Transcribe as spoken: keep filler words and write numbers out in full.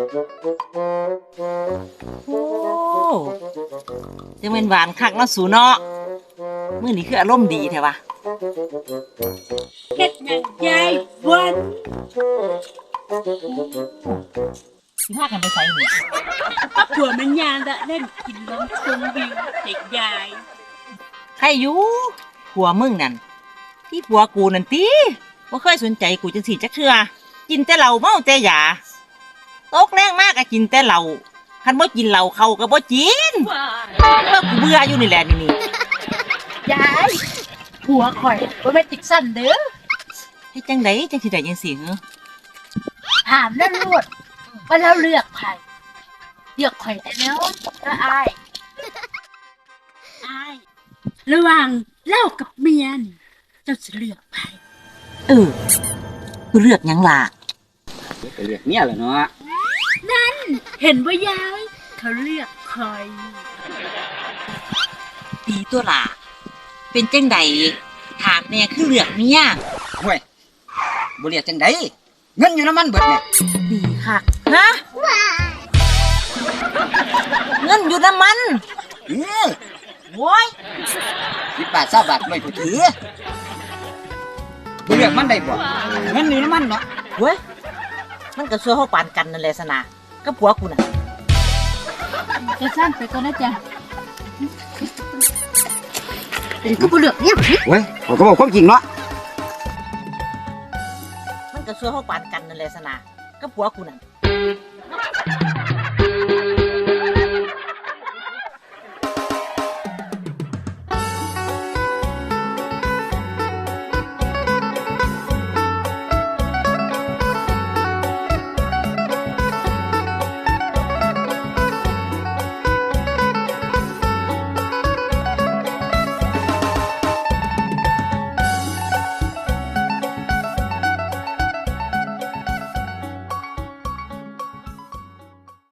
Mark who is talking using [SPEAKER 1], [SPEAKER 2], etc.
[SPEAKER 1] โอ้จะเป็นหวานคักเนาะสูเนาะมื้อนี้คืออารมณ์ดีแท้วะ
[SPEAKER 2] เฮ็ดหยังยายวัน
[SPEAKER 1] สิพากันไปไสนี่
[SPEAKER 2] ผัวมันยางละเล่นกินน้ำชมวิวเด็กยาย
[SPEAKER 1] ใครอยู่ผัวมึงนั่นที่ผัวกูนั่นติบ่เคยสนใจกูจังซี่จักเทื่อกินแต่เหล้าเมาแต่ยาตกแรงมากก็กินแต่เหล้าคันบ่กินเหล้าเขาก็บ่กินเออกูเบื่ออยู่นี่แหละนี่นี่
[SPEAKER 2] ยายผัวข่อยบ่แม่นติกสั้นเด้อ
[SPEAKER 1] เฮ็ดจังไดจังสิได้จังซี่เหรอ
[SPEAKER 2] ถามนั่นโลดว่าเราเลือกไผเลือกข่อยได้แล้วก็อายอายระหว่างเล่ากับเมียนเจ้าสิเลือกไผ
[SPEAKER 1] เออกูเลือกหยังล่ะ
[SPEAKER 3] ไปเรียกเมียแหละเนาะ
[SPEAKER 2] นั่นเห็นบ่ยายเขาเลือกข่อย
[SPEAKER 1] ดีตัวล่ะเป็นจังไดถามแน่คือเลือกเมีย
[SPEAKER 3] ห่วยบ่เรียกจังไดเงินอยู่น้ำมันเบิดแม่
[SPEAKER 1] ดีคักฮะเงินอยู่น้ำมัน
[SPEAKER 3] เออ
[SPEAKER 1] โว้ย
[SPEAKER 3] สิบบาทเก้าบาทไม่กูถือบ่เรียกมันได้บ่เงินอยู่น้ำมันเนาะ
[SPEAKER 1] เว้ยมันก็ช่วยเฮาปานกันนั่นแหละสนะกับผัวกูน่ะ
[SPEAKER 2] จะสั้นไปก่อนนะจ๊ะเป็นกูบ่เลือกเนี่ย
[SPEAKER 3] เว้ยเขาก็บอกความจริงเนาะ
[SPEAKER 1] มันก็ช่วยเฮาปานกันนั่นแหละสนะกับผัวกูน่ะ